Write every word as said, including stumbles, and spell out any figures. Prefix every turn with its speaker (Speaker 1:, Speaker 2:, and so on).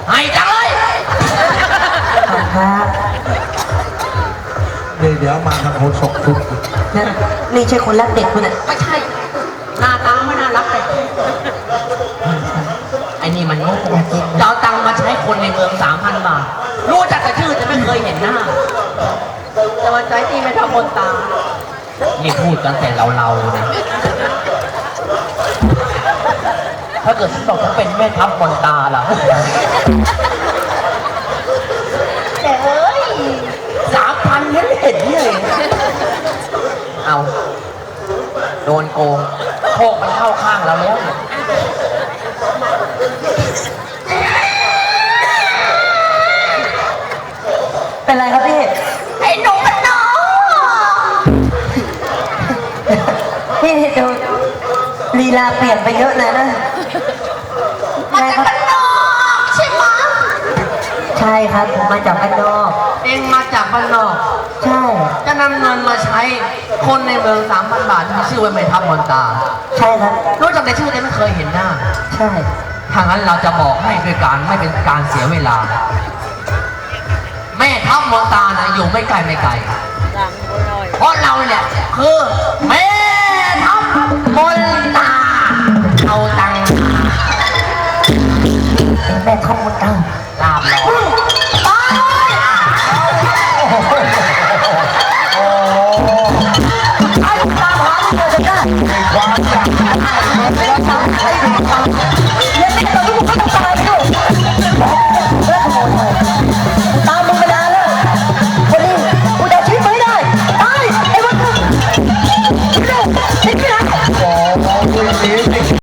Speaker 1: ให้จังเลย
Speaker 2: ครับ
Speaker 3: เดี๋ยวเดี๋ยวมาทางโหดศกทุก
Speaker 2: นี่ใช่คนรักเด็กคุณอ่ะ
Speaker 1: ไม่ใช่หน้าตาไม่น่ารักเลยไอ้นี่มันโง่จะเอาตังค์มาใช้คนในเมืองสามพันบาทรู้จักแต่ชื่อแต่ไม่เคยเห็นหน้าจะมาใช้ที่ไม่ทำบนตานี่พูดกันแต่เราเรานะถ้าเกิดฉันบอกฉันเป็นแม่ทัพบนตาล่ะแต่เฮ้ยสามพันเห็นเห็นเลยเอาโดนโกงโชคมันเข้าข้างเราแล้ว
Speaker 2: เป็นไรครับพี่
Speaker 1: ไอ้หนูมันน้อง
Speaker 2: พี่ดูลีลาเปลี่ยนไปเยอะเลยนะ
Speaker 1: มาจากบ้านนอกใช่ไหม
Speaker 2: ใช่ครับผมมาจากบ้านนอก
Speaker 1: เองมาจากบ้านนอก
Speaker 2: ใช่
Speaker 1: จะนำเงินมาใช้คนในเมืองสามพันบาทมีชื่อว่าแม่ทัพมนตา
Speaker 2: ใช่ครับ
Speaker 1: รู้จักแต่ชื่อแต่ไม่เคยเห็นหน้า
Speaker 2: ใช่
Speaker 1: ถ้างั้นเราจะบอกให้ด้วยการไม่เป็นการเสียเวลาแม่ทัพมนตานะอยู่ไม่ไกลไม่ไกลเพราะเราเนี่ยคือแม่ทัพมนตาเอาตังค์
Speaker 2: เป็นแม่ทัพมนตา
Speaker 1: ลาบลอย
Speaker 3: โอ้
Speaker 2: ไอ้ตามหาที่เจอได้
Speaker 3: ความอยากให้มันแล้วทำให้มัน